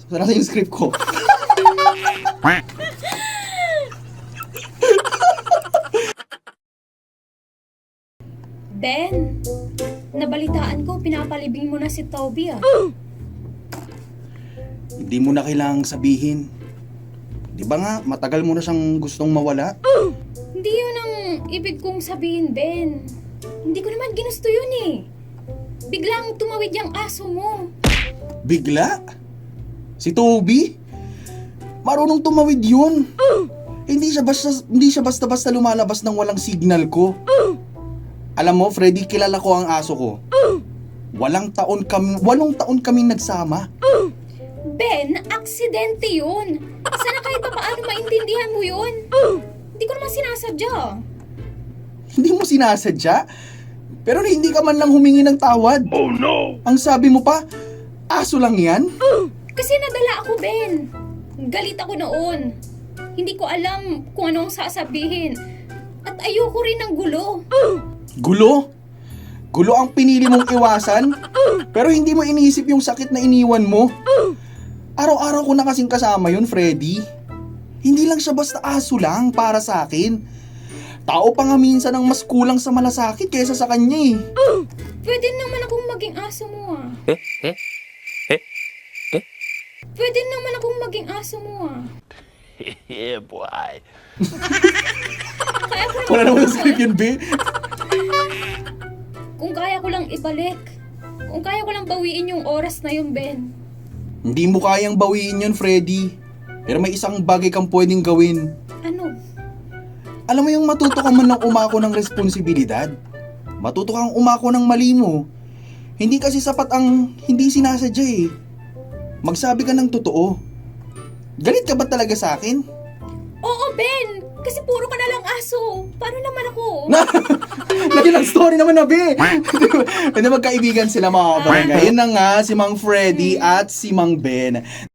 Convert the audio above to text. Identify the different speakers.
Speaker 1: Nasa yung script ko.
Speaker 2: Ben, nabalitaan ko, pinapalibing mo na si Toby ah.
Speaker 1: Hindi mo na kailangang sabihin. Di ba nga, matagal mo na siyang gustong mawala?
Speaker 2: Hindi yun ang ibig kong sabihin, Ben. Hindi ko naman ginusto yun eh. Biglang tumawid yung aso mo.
Speaker 1: Bigla? Si Toby? Marunong tumawid yun. Hindi siya basta-basta lumalabas ng walang signal ko. Alam mo, Freddy, kilala ko ang aso ko. 8 taon kaming nagsama.
Speaker 2: Ben, aksidente yun. Sana kahit pa paano maintindihan mo yun. Hindi ko naman sinasadya.
Speaker 1: Hindi mo sinasadya? Pero hindi ka man lang humingi ng tawad. Oh no! Ang sabi mo pa, aso lang yan?
Speaker 2: Kasi nadala ako, Ben. Galit ako noon. Hindi ko alam kung anong sasabihin. At ayoko rin ng gulo.
Speaker 1: Gulo? Gulo ang pinili mong iwasan? Pero hindi mo iniisip yung sakit na iniwan mo? Araw-araw ko na kasing kasama yun, Freddy. Hindi lang siya basta aso lang para sa akin. Tao pa nga minsan ang mas kulang sa malasakit kaysa sa kanya eh.
Speaker 2: Pwede naman akong maging aso mo ah. Pwede naman akong maging aso mo ah.
Speaker 3: Yeah, boy.
Speaker 2: Kaya ko lang
Speaker 1: Wala naman script yun, be.
Speaker 2: Kung kaya ko lang ibalik. Kung kaya ko lang bawiin yung oras na yun, Ben.
Speaker 1: Hindi mo kayang bawiin yun, Freddy. Pero may isang bagay kang pwedeng gawin.
Speaker 2: Ano?
Speaker 1: Alam mo yung matuto ka man ng umako ng responsibilidad. Matuto kang umako ng mali mo. Hindi kasi sapat ang hindi sinasadya eh. Magsabi ka ng totoo. Galit ka ba talaga sa akin?
Speaker 2: Oo, Ben! Kasi puro ka na lang aso. Paano naman ako?
Speaker 1: Nagilang story naman na, be. Hindi magkaibigan sila mga barangay. Yun na nga, si Mang Freddy at si Mang Ben.